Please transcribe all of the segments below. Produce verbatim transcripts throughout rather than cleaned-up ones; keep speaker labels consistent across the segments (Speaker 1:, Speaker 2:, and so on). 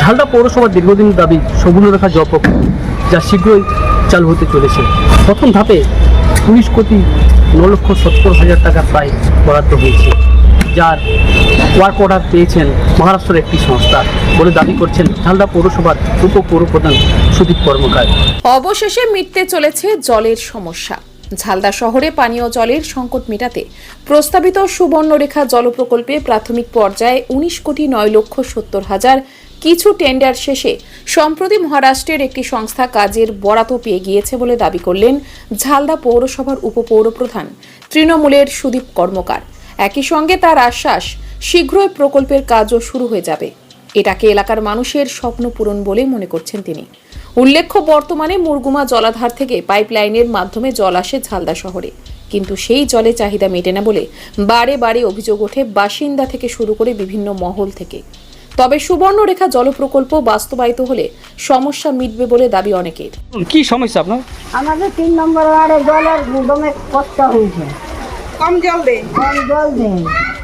Speaker 1: ঝালদা পৌরসভার দীর্ঘদিন দাবি সুবর্ণরেখা জল প্রকল্প, যা শীঘ্রই চালু হতে চলেছে। প্রথম ধাপে উনিশ কোটি ন লক্ষ সত্তর হাজার টাকা প্রায় বরাদ্দ হয়েছে, যার ওয়ার্ক অর্ডার পেয়েছেন মহারাষ্ট্রের একটি সংস্থা বলে দাবি করছেন ঝালদা পৌরসভার উপ পৌরপ্রধান সুদীপ কর্মকার।
Speaker 2: অবশেষে মিটতে চলেছে জলের সমস্যা। ঝালদা শহরে পানীয় জলের সংকট মেটাতে প্রস্তাবিত সুবর্ণরেখা জল প্রকল্পে প্রাথমিক পর্যায়ে উনিশ কোটি নয় লক্ষ সত্তর হাজার কিছু টেন্ডার শেষে সম্প্রতি মহারাষ্ট্রের একটি সংস্থা কাজের বরাত পেয়ে গিয়েছে বলে দাবি করলেন ঝালদা পৌরসভার উপপৌরপ্রধান তৃণমূলের সুদীপ কর্মকার। একই সঙ্গে তার আশ্বাস, শীঘ্রই প্রকল্পের কাজও শুরু হয়ে যাবে। এটাকে এলাকার মানুষের স্বপ্ন পূরণ বলে মনে করছেন তিনি। উল্লেখ্য, বর্তমানে মুরগুমা জলাধার থেকে পাইপলাইনের মাধ্যমে জল আসে ঝালদা শহরে, কিন্তু সেই জলে চাহিদা মেটে না বলে বারে বারে অভিযোগ ওঠে বাসিন্দা থেকে শুরু করে বিভিন্ন মহল থেকে। তবে সুবর্ণরেখা জল প্রকল্প বাস্তবায়িত হলে সমস্যা মিটবে বলে দাবি অনেকের।
Speaker 1: কি সমস্যা আপনার?
Speaker 3: আমাদের তিন নম্বর ওয়ার্ডে জলের দমে কষ্ট হয়েছে,
Speaker 4: কম জল দেয়
Speaker 3: কম জল দেয়,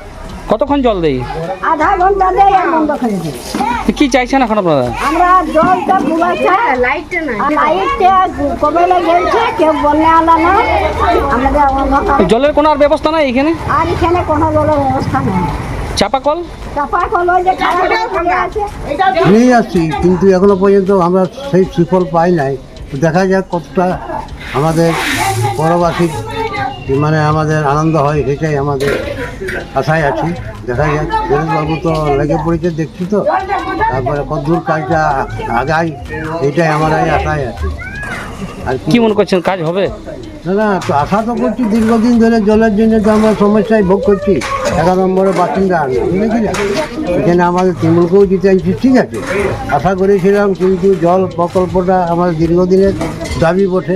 Speaker 1: কতক্ষণ জল দেয়?
Speaker 3: আধা ঘন্টা দেয় আর বন্ধ করে দেয়।
Speaker 1: কি চাইছেন এখন আপনারা?
Speaker 3: আমরা জলটা পুরাচ্ছা,
Speaker 4: লাইটটা নাই,
Speaker 3: আর লাইটটা কবে গেছে, কেউ বন্যা আলা না। আমাদের অন্ধকার,
Speaker 1: জলের কোনো আর ব্যবস্থা নাই এখানে?
Speaker 3: আর এখানে কোনো জলের ব্যবস্থা নেই।
Speaker 1: চাপা কল
Speaker 3: চাপা কল ওই যে খারাপ হয়ে আছে।
Speaker 5: নিয়ে আসছি, কিন্তু এখনো পর্যন্ত আমরা সেই সুফল পাই নাই। দেখা যাক কতটা আমাদের পরবাসী মানে আমাদের আনন্দ হয়, সেটাই আমাদের আশায় আছি। দেখা যাক, বাবু তো লেগে পড়েছে দেখছি তো, তারপরে কতদূর কাজটা আগায় এইটাই আমার আশায় আছে। আর
Speaker 1: কি মনে করছেন, কাজ হবে?
Speaker 5: না না, তো আশা তো করছি, দীর্ঘদিন ধরে জলের জন্য তো আমরা সমস্যায় ভোগ করছি। এগারো নম্বরের বাসিন্দা আমি, বুঝেছি না, এখানে আমাদের তৃণমূলকেও দিতে চাইছি, ঠিক আছে, আশা করেছিলাম। কিন্তু জল প্রকল্পটা আমাদের দীর্ঘদিনের দাবি বটে।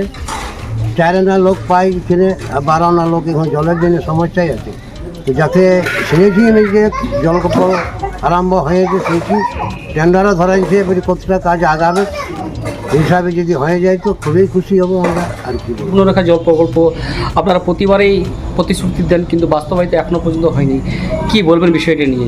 Speaker 5: চার আনা লোক পাই এখানে, বারো আনা লোক এখন জলের জন্য সমস্যায় আছে। তো যাতে শুনেছি আমি যে জল প্রকল্প আরম্ভ হয়েছে, শুনেছি টেন্ডারও ধরাইছে, এবারে কতটা কাজ আগাবে হিসাবে যদি হয়ে যায় তো খুবই খুশি হবো আমরা। আর কি
Speaker 1: সুবর্ণরেখা জল প্রকল্প আপনারা প্রতিবারেই প্রতিশ্রুতি দেন, কিন্তু বাস্তবায়িত এখনো পর্যন্ত হয়নি। কি বলবেন বিষয়টা নিয়ে?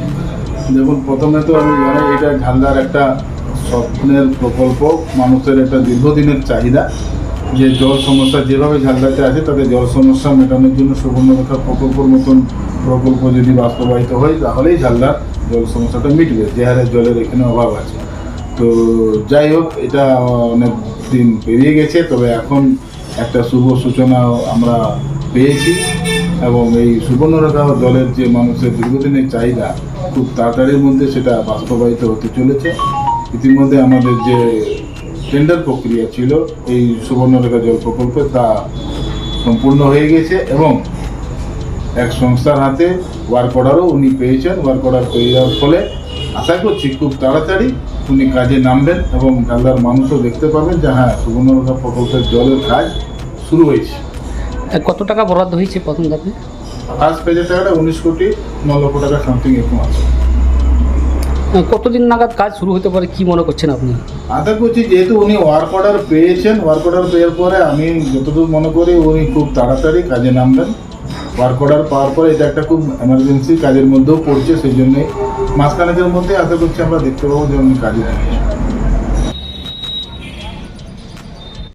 Speaker 6: দেখুন, প্রথমে তো আমি জানি এটা ঝালদার একটা স্বপ্নের প্রকল্প, মানুষের একটা দীর্ঘদিনের চাহিদা যে জল সমস্যা যেভাবে ঝালদাতে আছে তাদের জল সমস্যা মেটানোর জন্য সুবর্ণরেখা প্রকল্পের মতন প্রকল্প যদি বাস্তবায়িত হয় তাহলেই ঝালদার জল সমস্যাটা মিটবে, যে হারে জলের এখানে অভাব আছে। তো যাই হোক, এটা অনেক দিন পেরিয়ে গেছে, তবে এখন একটা শুভ সূচনা আমরা পেয়েছি এবং এই সুবর্ণরেখা জলের যে মানুষের দীর্ঘদিনের চাহিদা খুব তাড়াতাড়ির মধ্যে সেটা বাস্তবায়িত হতে চলেছে। ইতিমধ্যে আমাদের যে টেন্ডার প্রক্রিয়া ছিল এই সুবর্ণরেখা জল প্রকল্পে তা সম্পূর্ণ হয়ে গেছে এবং এক সংস্থার হাতে ওয়ার্ক অর্ডারও উনি পেয়েছেন। ওয়ার্ক অর্ডার পেয়ে যাওয়ার ফলে আশা করছি খুব তাড়াতাড়ি উনি কাজে নামবেন এবং ঝালদার মানুষও দেখতে পাবেন যে হ্যাঁ, সুবর্ণরেখা প্রকল্পের জলের কাজ শুরু হয়েছে।
Speaker 1: কত টাকা বরাদ্দ হয়েছে প্রথম ধাপে?
Speaker 6: ফার্স্ট পেজের টাকাটা উনিশ কোটি ন লক্ষ টাকা সামথিং এরকম আছে।
Speaker 1: কতদিন নাগাদ কাজ শুরু হতে পারে কি মনে করছেন আপনি?
Speaker 6: আশা করছি যেহেতু উনি ওয়ার্ক অর্ডার পেয়েছেন, ওয়ার্ক অর্ডার পেয়ার পরে আমি যতদূর মনে করি উনি খুব তাড়াতাড়ি কাজে নামবেন। ওয়ার্ক অর্ডার পাওয়ার পরে এটা একটা খুব এমার্জেন্সি কাজের মধ্যেও পড়ছে, সেই জন্যই মাসখানেকের মধ্যে আশা করছি আমরা দেখতে পাবো যে উনি কাজে নামবেন।